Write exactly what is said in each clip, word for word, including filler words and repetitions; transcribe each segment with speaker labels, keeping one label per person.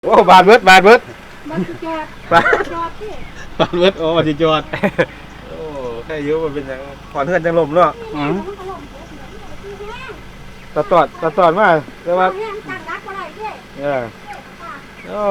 Speaker 1: โอ้บาดเบิดบาดเบิด
Speaker 2: บาดจอด
Speaker 1: บาด
Speaker 2: จอดที่
Speaker 1: บาดเบิดโอ้บาดจอดโอ้แค่เยอะมันเป็นอย่างขอนเพื่อนจังลมเนาะตะตอดตะตอดมาแต่ว่าเออโอ้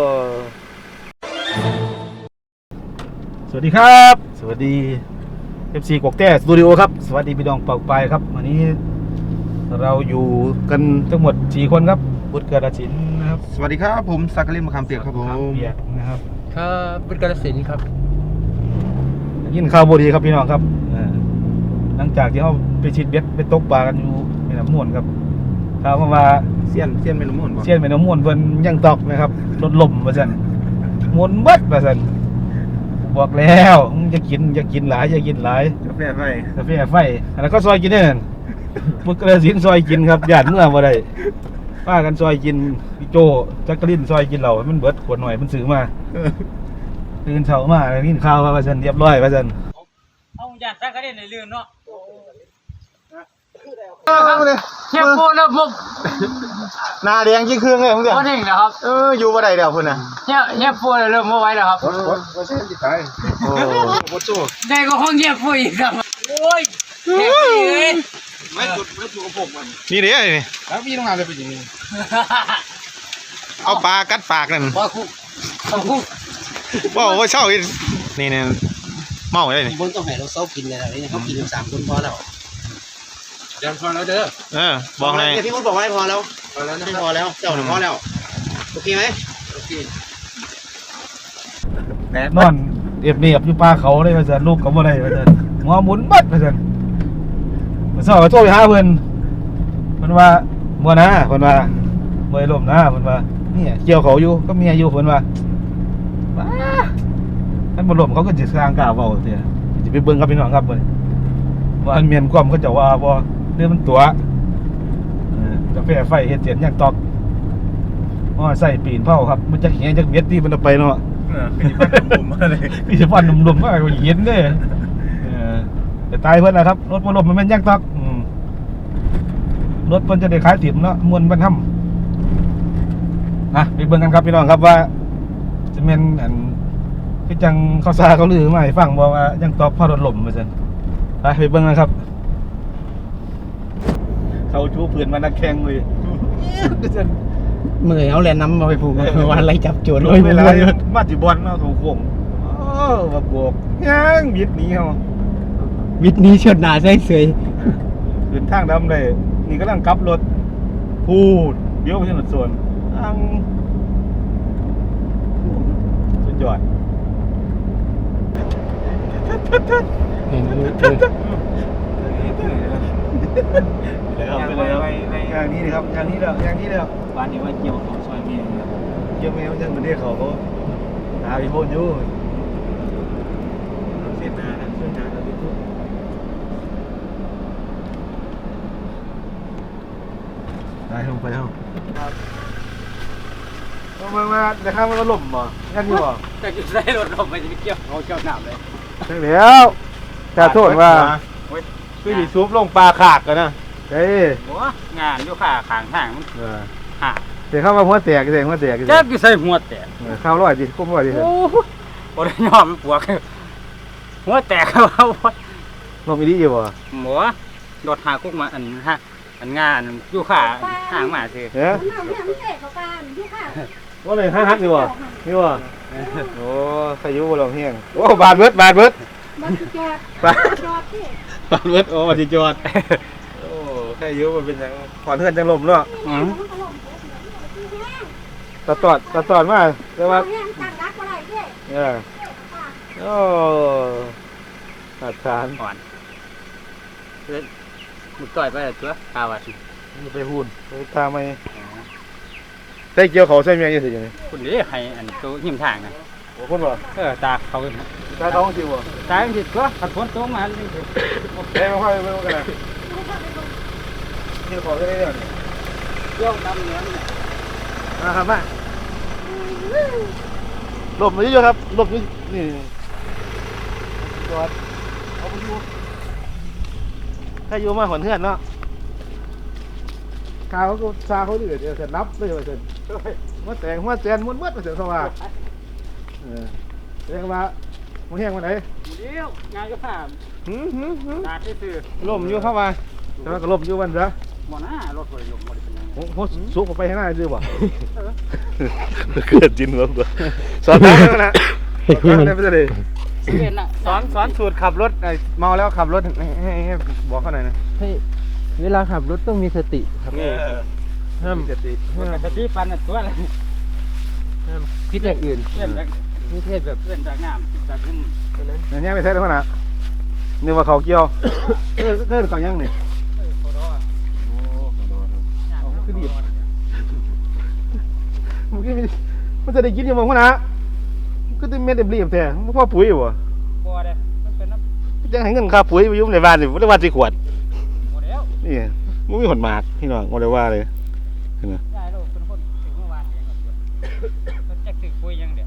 Speaker 1: สวัสดีครับสวัสดี เอฟ ซี กวกแต้สตูดิโอครับสวัสดีพี่น้องเป่าไปครับวันนี้เราอยู่กันทั้งหมดสี่คนครับบุตรกระสินนะครับ
Speaker 3: สวัสดีครับผมสักกลินมะขามเปียกครับผม
Speaker 1: เปียกนะครับ
Speaker 4: ครับบุตรกระสินครับ
Speaker 1: ยินข่าวบดีครับพี่น้องครับหลังจากที่เขาไปชิดเบ็ดไปตกปลากันอยู่แม่น้ำม่วนครับข่าวมา
Speaker 3: เสี้ยนเสี้ยนแม่น้ำม่วน
Speaker 1: เสี้ยนแม่น้ำม่วนเพิ่นยังตอกนะครับรถล่มว่าซั่นม่วนเบิดว่าซั่นบอกแล้วมึงจะกินจะกินหลายจะกินหลาย
Speaker 3: กาแฟไฟ
Speaker 1: กาแฟไฟแล้วก็ซอยกินเนี่ยบุตรกระสินซอยกินครับญาติเมื่อบ่ได้ป้ากันซอยกินพี่โจจักรินซอยกินเหล่ามันเบิดขวดหน่อยมันซื้อมาตื่นเช้ามาแล้วกินข้าวว่าซั่นเรียบร้อยว่าซั่น
Speaker 4: เอาญาติจักรินในเรื่องเนาะ
Speaker 3: เฮียโป้แล้วผมหน้าแดงยิ่งเครื่องเลยมึงเดี๋ยว
Speaker 4: โอ้นี่นะครับ
Speaker 3: เอออยู่บ่ได้เดี๋ยวพุ่นน่ะ
Speaker 4: เฮียเฮียโป้เริ่มบ่ไหวแล้วครับ
Speaker 3: โอ้โหบ่เส้นสิตายโอ้บ่โจ้
Speaker 4: ได้ก็ห้องเฮียโป้อีกครับโอ้ยเฮ้ย
Speaker 3: ไม่จุดไม่จุดกับผมมันนี่เด้นี่แล้วพี่ต้องงานเลยเป็นอย่างนี้เอาปลากัดปากนั่น
Speaker 4: บ่คุบ่คุ
Speaker 3: บ่ว่าเช่านี่นี่เมาได้นี่
Speaker 4: บนต้องให้เราเซากินเลยนะนี่เขากินอยู่สามคนพอแล้ว
Speaker 3: เดี๋ยวพอแล้วเด้อเออบอกเลย
Speaker 4: พี่คุณบอกว่าพอแล้ว
Speaker 3: พอแล้ว
Speaker 4: ไม่พอแล้วเจ้าหนึ่งพอแล้วโอเคไหมโอเค
Speaker 1: นอนเอียบเนียบอยู่ป่าเขาเลยว่าซั่นลูกก็บ่ได้ว่าซั่นหัวหมุนบัดว่าซั่นมื้อเช้าก็โทรไปหาเพิ่นเพิ่นว่าบ่นะเพิ่นว่าบ่ได้ล่มนะเพิ่นว่าเนี่ยเกี่ยวเขาอยู่ก็เมียอยู่เพิ่นว่าว้าท่านบ่ล่มเขาก็สิสร้างกล้าเว้าเสียสิไปเบิ่งกับพี่น้องครับเพิ่นว่าอันเมียนความเขาเจ้าว่าบ่เรื่องมันตัวเออกาแฟไฟเฮ็ดเสียนยังตอกอ๋อใส่ปีนเผาครับมันจะเหียจักเบ็ดที่มันไปเนาะ
Speaker 3: เออเป็นฟันหนุ่มๆมาเลย
Speaker 1: พี่สิฟันหนุ่มๆมาก็เย็นเด้เออแต่ตายเพิ่นน่ะครับรถบ่ล่มมันแม่นยังตอกอืมรถเพิ่นจะได้ขายติ๋มเนาะม่วนบรรทำอ่ะไปเบิ่งกันครับพี่น้องครับว่าจะแม่นอันคือจังเขาซาเขาลือมาให้ฟังบ่ว่ายังตอกพอรถล่มว่าซั่นไปไปเบิ่งกันครับเขาชูเพื่อนมานักแข่งเลย
Speaker 4: เมื่อยเอาแลนน้ำมาไปผูกวันอะไรจับโจร
Speaker 1: เลยเวลามาจิบอลเนาะถูกโค้งโอ้มาบวกยังบิดหนีเขา
Speaker 4: วิทนี้เชิดหนาใช่เสย
Speaker 1: ขึ้นทางดำเลยนี่กำลังกลับรถพูดเบี้ยวไปถนนส่วนอังสุดยอด
Speaker 4: เห็นเลย
Speaker 1: ไปเลยอย่างนี้เลยครับอย่างนี้เลยอย่างนี้เลย
Speaker 4: บ้านนี้ว่าเกี่ยวของซอยเมีย
Speaker 1: เกี่ยวเมียมันยังมันเรียกเขาเขาหาไปโบนอยู่เส้นนาเส้นนาเราไปทุกได้ลงไปแล้วลงมามาเดี๋ยวข้ามมันก็ล่มบ่งั้นอยู่บ่
Speaker 4: แต่จุดได้รถลมไปจะไปเกี่ยวเขาเกี่ยวหนามเลย
Speaker 1: ใช่แล้วแต่โทษว่าคือดิซุปลงปลาขากกันนะเฮ้ย
Speaker 4: งานอยู่ขาขางทางมัน
Speaker 1: ห่าเดี๋ยวเข้ามาหัวแตกเสียงหัวแตก
Speaker 4: แจ๊บกี่ใส่หัวแตก
Speaker 1: ข้าวร้อยดิคุ้มร้อยดิ
Speaker 4: โอ้โหโอ้ยยอมปวกหัวแตกเขา
Speaker 1: ลมอีดีอยู่บ่
Speaker 4: หมูโดดหากุ๊กมาอันฮะอันงานอยู่ขาห่างมาสิ
Speaker 1: เฮ้ยว่าเลยห้าฮักอยู่บ่นี่บ่โอ้ขยุบ่ลงเฮียงโอ้บาดเบิดบาดเบิด
Speaker 2: บาดจอด
Speaker 1: บาดจอดบาดเบิดโอ้บาดจอดโอ้แค่ยุมันเป็นอย่างขอนเพื่อนจังลมเนาะตะตอดตะตอดมาแต่ว่าเออโอ้ขาดฐาน
Speaker 4: อ่อนมึงต่อยไปตัวข้าวอ่ะ
Speaker 1: ไปพูนไปตามไปใส่เกี่ยวเขาใส่เมียยังสิยังไง
Speaker 4: คุณนี่ให้อันตัวหิมทางนะ
Speaker 1: โอ้คนบ่
Speaker 4: เออตาเขา
Speaker 1: ตาเขาจริงบ่
Speaker 4: ตาจริงตัวขัดฝนตกมาเลย
Speaker 1: เอ้ยมาค่อยไปกันนะเกี่ยวเขาได้เรื่อง
Speaker 4: เกี่ยวดำเนื้อเนี่ย
Speaker 1: นะครับมาหลบมาเยอะครับหลบนี่นี่จอดเอาไปอยู่ใครอยู่มาหอนเพื่อนเนาะข้าวเขาซาเขาดื้อเดี๋ยวจะนับเลยว่าจะหัวแตงหัวแจนม้วนมัดมาเสียเข้ามาเออแสดงว่ามันแห้งวันไหน
Speaker 4: เดี๋ยวงานก็ผ่าน
Speaker 3: หืมหืมหืม
Speaker 4: นาที่ซื้อ
Speaker 3: ล่มอยู่เข้ามา
Speaker 1: แต่ว่าก็ลบอยู่วันซะ
Speaker 4: หมอหน้ารถเลยลงหมดเป็นยัง
Speaker 1: ผมผมสูบออกไปให้หน้าซื้อบ่
Speaker 3: เกิดจินหัวกูสอนได้แล้วนะสอนได้ไม่ได้เลย
Speaker 4: สิเป็นน่ะ
Speaker 3: สอนสอนสูตรขับรถไอ้เมาแล้วขับรถให้ให้ให้บอกเขาหน่อยนะ
Speaker 5: ให้เวลาขับรถต้องมีสติครับ ห้าม
Speaker 3: สติ
Speaker 4: ปกติปันน่ะตัวอะไร
Speaker 5: ห้ามคิดอย่างอื่น
Speaker 4: เล่นจาก
Speaker 5: นี่เทศแบบ
Speaker 4: เล่นจากน้ำจากขึ้น
Speaker 5: นั้น
Speaker 1: เนี่ยเนี่ยไม่ใช่แล้วนะนึกว่าเขาเกี่ยวเออเออเขายังนี่
Speaker 4: โคโรอ่ะ
Speaker 1: คือดีมันจะได้กินยังมั้งนะก็ได้เม็ดเต็มรีบแท้มันพ่อปุ๋ยบ่
Speaker 4: บัวเด้มันเป็นน้ำ
Speaker 1: ยังให้เงินค่าปุ๋ยไปยุ่งในบ้านสิบ่ได้ว่าสิขวด
Speaker 4: บัวแล้ว
Speaker 1: นี่มันมีหนหมากพี่น้องบ่ได้ว่าเลย
Speaker 4: ยายลูกเป็นคนถึงเมื่อวานเองก็มันจะถึงคุยยังเดี๋ยว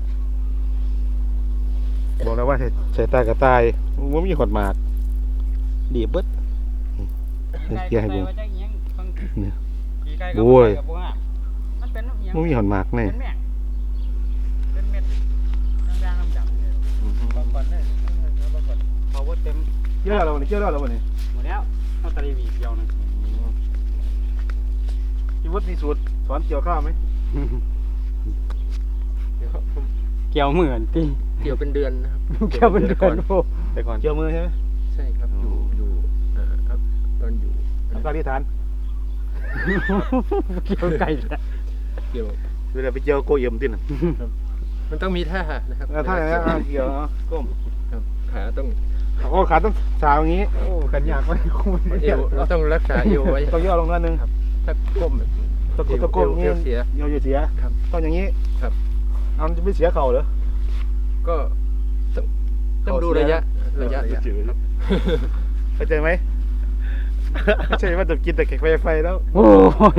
Speaker 1: บอกแล้วว่าใส่ตากระต่ายมันมีหนหมากดีเบิด
Speaker 4: ไก่
Speaker 1: เกี่ยให้
Speaker 4: ไก่
Speaker 1: เบิ่ง
Speaker 4: ว่าจะยังฟัง
Speaker 1: เนี่ย
Speaker 4: กี่ไก่ก็
Speaker 1: โอ้ย
Speaker 4: บัวมันเป็นยัง
Speaker 1: มันมีหนหมากนี่
Speaker 4: เป็นแม่งเป็นเม็ดด่างๆดำๆเนี่ยบางคนเนี่ยบางคนเขาว่าเต็ม
Speaker 1: เกี่ยวแล้ววันนี้เกี่ยวแล้ววันนี้
Speaker 4: หมดแล้วเอาตะลีวีเดียวนึง
Speaker 1: พี่วุฒิมีสูตรสอนเกี่ยวข้าวไหม
Speaker 4: เกี่ยวเหมือนตี
Speaker 5: เกี่ยวเป็นเดือนนะครับ
Speaker 4: เกี่ยวเป็นเดือนโอ้
Speaker 3: แต่ก่อน
Speaker 1: เกี่ยวมือใช่ไหม
Speaker 5: ใช่ครับอยู่อยู่อ่าครับตอนอยู่
Speaker 1: ทำการที่ฐาน
Speaker 4: เกี่ยวไก่
Speaker 5: เกี่ยว
Speaker 1: เวลาไปเกี่ยวโกเยี่ยมติน่ะ
Speaker 5: มันต้องมีท่านะครับ
Speaker 1: ถ้าอย่างนี้นเกี่ยวเนาะก้ม
Speaker 5: ครับขาต้อง
Speaker 1: โอ้ขาต้องสาวอย่างนี้โอ้ขันยากไว้คุ้ม
Speaker 5: เอวเราต้องรักษาเอวไว้
Speaker 1: ต้องย่อลงนิดนึง
Speaker 5: ถ้าก้มแบบ
Speaker 1: ตะกุกตะกุก
Speaker 5: เอว
Speaker 1: นี่
Speaker 5: เอวเสีย
Speaker 1: เยอะเสีย
Speaker 5: ครับ
Speaker 1: ต้องอย่างนี้
Speaker 5: ครับ
Speaker 1: เอาจะไม่เสียเข่าเหรอ
Speaker 5: ก็ต้องต้องดูระยะระยะครับ
Speaker 1: เข้าใจไหมไม่ใช่ว่าจะกินแต่แขกไฟไฟแล้ว
Speaker 4: โอ้ย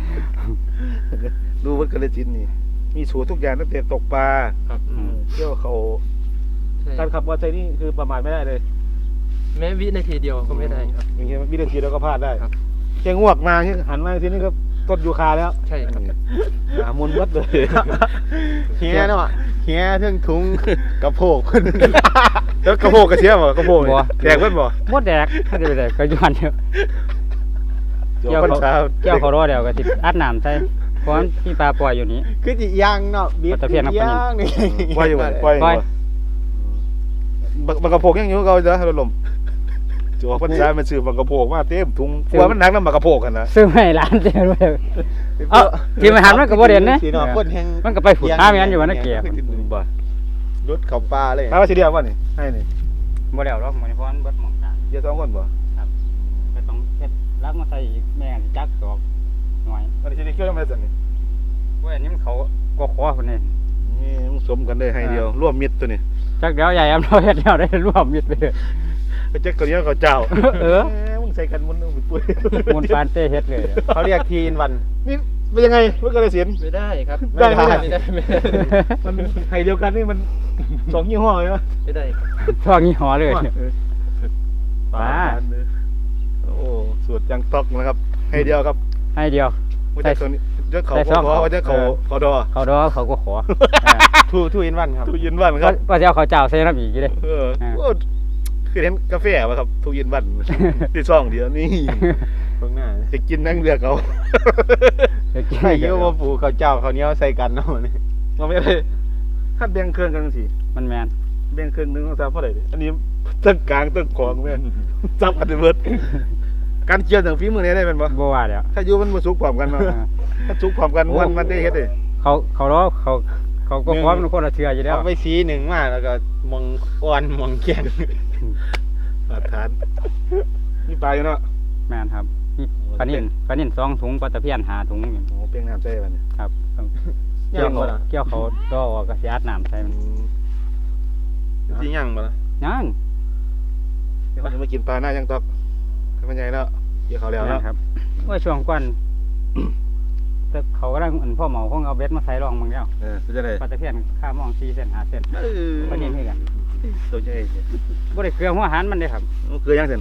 Speaker 1: ดูวัดกระจินนี่ มีสูตรทุกอย่างตั้งแต่ตกปลา
Speaker 5: ครับ
Speaker 1: เที่ยวเขา
Speaker 5: ใช่
Speaker 1: การขับมอเตอร์ไซค์นี่คือประมาทไม่ได้เลย
Speaker 5: แม้วินาทีเดียวก็ไม่ได้ครับ
Speaker 1: อย่างเงี้ยวินาทีเราก็พลาดได้
Speaker 5: ครับ
Speaker 1: แกงวกมาที่หันมาทีนี้ก็ต้นยูคาแล้ว
Speaker 5: ใช่ครับ
Speaker 1: หามุนวัดเลย
Speaker 3: เฮียเนาะเฮียเทิงทุงกระโพก
Speaker 1: แล้วกระโปงกระเทียมบ่กระโปงนี่แดกเพิ่นบ่
Speaker 4: มดแดกถ้าจะไปแดกก็ย้อนเดียว
Speaker 1: เกี่ยวคนเช้า
Speaker 4: เกี่ยวเขารอเดียวก็ติดอัดน้ำใส่เพราะมีปลาปล่อยอยู่นี้
Speaker 3: คือจิย่างเนาะบีบ
Speaker 4: ปลาตะเพียนครับปลานิล
Speaker 3: ย่างนี่
Speaker 1: ปล่อยอยู่บ่ปล่อย
Speaker 4: ปล่อย
Speaker 1: บักบักกระโปงยังอยู่เก่าเด้อรถลมจะออกพรรษามันซื้อบักกระโปงมาเต็มถุงกลัวมันหนักนำบักกระโปงกันนะ
Speaker 4: ซื้อไม่ร้านเดียวด้วยเอ้าที่มาหันมันก็บ่เด่นนะ
Speaker 3: สีเนาะคนแห่ง
Speaker 4: มันก็ไปฝุ่นห้าแม่นอยู่วันนั้นเกียร์
Speaker 1: บ่
Speaker 3: รถเขาปลาเลย
Speaker 1: ถามว่าสิเดียวบ่นี่ให้นี่
Speaker 4: บ่แล้วหรอกมันเพราะมันเบิดหมองตา
Speaker 1: เดี๋ยวสองคนบ่
Speaker 4: ก็ต้องเฮ็ดรักมาใส่อีกแม่สิจักตอกหน่อย
Speaker 1: อันนี้สิได้เกี่ยวยังไงซั่นนี่
Speaker 4: เว้ยอันนี้มันเขาก็ขอพุ่นนี่
Speaker 1: นี่มึงสมกันได้ให้เดียวร่วมมิตรตัวนี้
Speaker 4: จักเดี๋ยวใหญ่อำเราเฮ็ดแล้วได้รวมมิตรไปเลย
Speaker 1: ไปแจ็คตัวนี้เขาเจ้า
Speaker 4: เออ
Speaker 1: แหมมึงใส่กันมันมึงปุ้ย
Speaker 4: มูลปานเต้เฮ็ดเลย
Speaker 3: เขาเรียกทีนวัน
Speaker 1: นี่เป็นยังไงเมื่อกระเสียน
Speaker 5: ไม่ได้ครับ
Speaker 1: ได้ไหม
Speaker 5: ไม่ได้ไม่ได้
Speaker 1: มันให้เดียวกันนี่มันสองยี่ห้อเลยนะ
Speaker 5: ไม่ได้ครับ
Speaker 4: พวกนี้หอเลย
Speaker 1: ปลาโอ้สูตรยังตอกนะครับ ให้เดียวครับ
Speaker 4: ให้เดียว
Speaker 1: ว่าจะตัวนี้จะเขา
Speaker 4: ใส่ซอง
Speaker 1: ขอว่าจะเขา
Speaker 4: เออ
Speaker 1: เขาดอ
Speaker 4: เขาดอเขาก็ขอ
Speaker 3: ทูทูอินวันครับ
Speaker 1: ทุกยินวันค
Speaker 4: ก็
Speaker 1: รับ
Speaker 4: ก็จะเอาเขาเจ้าใส่น้ำอีกอยู่เด้
Speaker 1: เออ
Speaker 4: เออ
Speaker 1: โอ้คือเห็นกาแฟป่ะครับทุกยินวันที่ซองเดียวนี่
Speaker 3: ตรงหน้า
Speaker 1: จะกินนั่งเรือเขา
Speaker 4: จะกิน
Speaker 3: ให้
Speaker 4: อีก
Speaker 3: เยอะว่าปูเขาเจ้าเขาวเหนี้ยวใส่กันเนาะนี่
Speaker 1: เราไม่ได้ถ้าแบ่งเครื่องกันสิ
Speaker 4: มันแมน
Speaker 1: แบ่งเครื่องหนึงต้องซับเท่าไหร่ดิอันนี้ตั้งกลางตั้งของแม่นซับกันเบิดการเกี่ยวถึงฝีมือนี้ได้เป็นปะ
Speaker 4: บ่ว่าแล้ว
Speaker 1: ถ้าอยู่มันมาสุกพร้อมกันเนาะ
Speaker 4: เออ
Speaker 1: ถ้าสุกพร้อมกันมันมันได้เฮ็ดเลย
Speaker 4: เขาเขารอเขาเขาก็ขอเป็นคนละเชืออยู่แล้ว
Speaker 3: เอาไปสีหนึ่งมาแล้วก็มองอ่อนมองเกียง
Speaker 1: มาตรฐานนี่ปลาอยู่เนาะ
Speaker 4: แมนครับนี่ปลานิ่นปลานิ่นสองถุงปลาตะเพียนหาถุงอยู่
Speaker 1: โอ้เปียงน้ำใจบัดนี้
Speaker 4: ครับต้อง
Speaker 3: ย่า
Speaker 4: เกี่ยว
Speaker 3: ง
Speaker 4: เขา
Speaker 3: บ่ล่ะ
Speaker 4: เกี่ยวเขาดอออกก็สิอัดน้ำใส่มัน
Speaker 3: สิย่างบ่ล่ะ
Speaker 4: ยัง
Speaker 1: เดี๋ยวจะมากินปลาหน้ายังตอกให้มันใหญ่แล้วเกี่ยวเขาแล้ว
Speaker 4: แม่
Speaker 1: แล้ว
Speaker 4: นครับว่าช่วงก่อนแต่เขาก็ได้อันพ่อเหมาคงเอาเบ็ดมาใส่รองมึงแล้ว
Speaker 1: เออเป็นจังได๋
Speaker 4: ปลาตะเพียนข้ามองสี่เส้นห้าเส้น
Speaker 1: เออ
Speaker 4: ปลานิ่นคือกัน
Speaker 1: ตัวใหญ่
Speaker 4: บ่ได้เกลือหัวอาหารมันเด้ครับ
Speaker 1: มันคือยังซั่น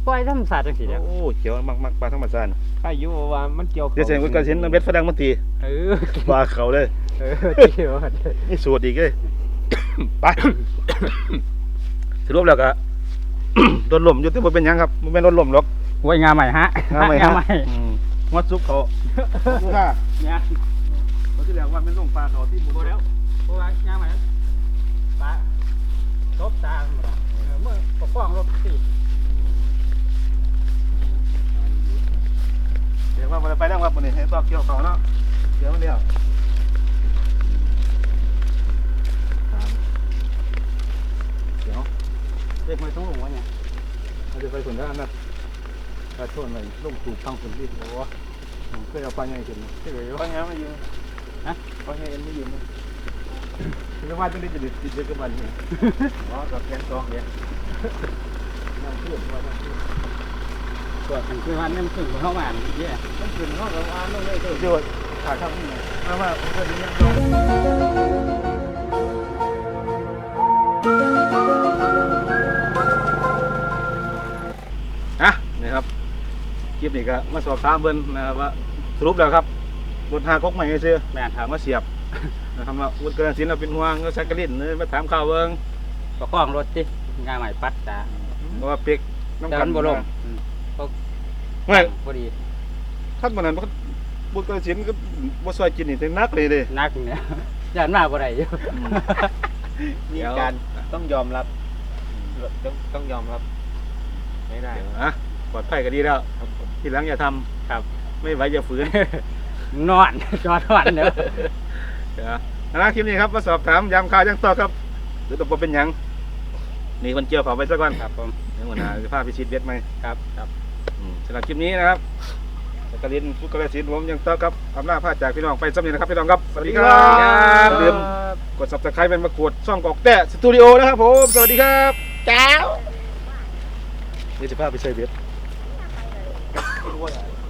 Speaker 4: ปล่อยธรรมศาสตร์จังซี่แหล้ว
Speaker 3: โอ้เขียวมักมักปลาธรรมชาติ
Speaker 4: ถ้าอยู่ว่ามันเกี่ยว
Speaker 3: เดี๋ยวเสียงกระสินเบ็ดฝรั่งมันตี
Speaker 4: เออ
Speaker 3: ปลาเขาเลย
Speaker 4: เออเกี่ยว
Speaker 3: นี่สูตรอีกเลย ไป สรุปแล้วก็ โดนลมอยู่ที่บ่เป็นหยังครับมันเป็นโดนลมหรอก
Speaker 4: ไว้งาใหม่ฮะ
Speaker 3: งาใหม่
Speaker 4: งา
Speaker 3: ฮะ
Speaker 4: ใหม่
Speaker 3: อืมงดซุปเขาดูค่ะ
Speaker 4: เนี่ย
Speaker 3: เขาที่แล้วว่าเป็นลงปลาเขาที่หมู่
Speaker 4: โบ
Speaker 3: แล้
Speaker 4: แล้ว วเพราะว่างาใหม่ปลาทบตาหมดละเออเมื่อปกป้องรถสิ
Speaker 3: เดี๋ยวว่ามันไปแล้วครับวันนี้ให้ซอกเกี่ยวเขาเนาะเดี๋ยวมันเดียวเดี๋ยว
Speaker 4: เด็กไม่ต้องลงวะเนี่ย
Speaker 3: เราจะไปส่วนด้านนั้นกระโชนเลยลงถูกทางคนที่โอ้ผมเคยเอาปลาใหญ่ขึ้น
Speaker 4: เฉย
Speaker 3: ปลาใหญ่ไม่ยืนฮะปลาใหญ่เอ็นไม่ยืนนะคือว่าจะได้จะติดติดเยอะกับมันเนี่ยอ๋อกับแกงซองเนี่ยน้ำเชื่อมว่าน้ำเชื่อม
Speaker 4: ตัวถึงคือวันนี้มันถึงเข้ามาเยอะ
Speaker 3: ต้องขึ้นห้องเราอ่านต้องเลยเดี๋ยวขาดข้าวนี่มาว่าผมก็ดีนะอ่ะนี่ครับคลิปนี้ก็มาสอบถามเบิ้ลนะครับว่าสรุปแล้วครับรถหากกใหม่ซื้อ
Speaker 4: แม่น
Speaker 3: ถามว่าเสียบนะครับว่าวุฒิกระสินเราเป็นห่วงก็ชักกระลิ่นเลยมาถามข่าวเบิ้ง
Speaker 4: ปกป้องรถสิงาใหม่ปัดตา
Speaker 3: เพราะว่าเปียกน้ำ
Speaker 4: แต่
Speaker 3: กั
Speaker 4: มัน นบ่ลง
Speaker 3: ไม่
Speaker 4: พอดี
Speaker 3: ท่านวันนั้นวุฒิกระสินก็บ่ซอยกินนี่แต่นักเลยเด้
Speaker 4: นักเนี่ยยันมากกว่าไรอยู่
Speaker 5: มีการต้องยอมรับต้องต้องยอมรับไม่ได้
Speaker 3: อ่ะปลอดภัยก็ดีแล้วทีหลังอย่าทำ
Speaker 4: ครับ
Speaker 3: ไม่ไหวอย่าฝืน
Speaker 4: นอนจอดวันเด้อ
Speaker 3: เดี๋ยวนะคลิปนี้ครับมาสอบถามยามข่าวยังต่อครับหรือตัวเป็นหยังนี่คนเกี่ยวเขาไปซะก่อน
Speaker 4: ครับผม
Speaker 3: เดี๋ยวหัวหน้าจะพาไปชิดเบ็ดไหม
Speaker 4: ครับครับ
Speaker 3: อืมสำหรับคลิปนี้นะครับกระลินฟุกกระสินผมยังต่อครับอำนาจพาจากพี่น้องไปสำเร็จนะครับพี่น้องครับสวัสดีครับอย่าลืมกด ซับสไครบ์ เป็นมากดช่องกอกแต่สตูดิโอนะครับผมสวัสดีครับเจ้าเดี๋ยวจะพาไปใส่เบ็ด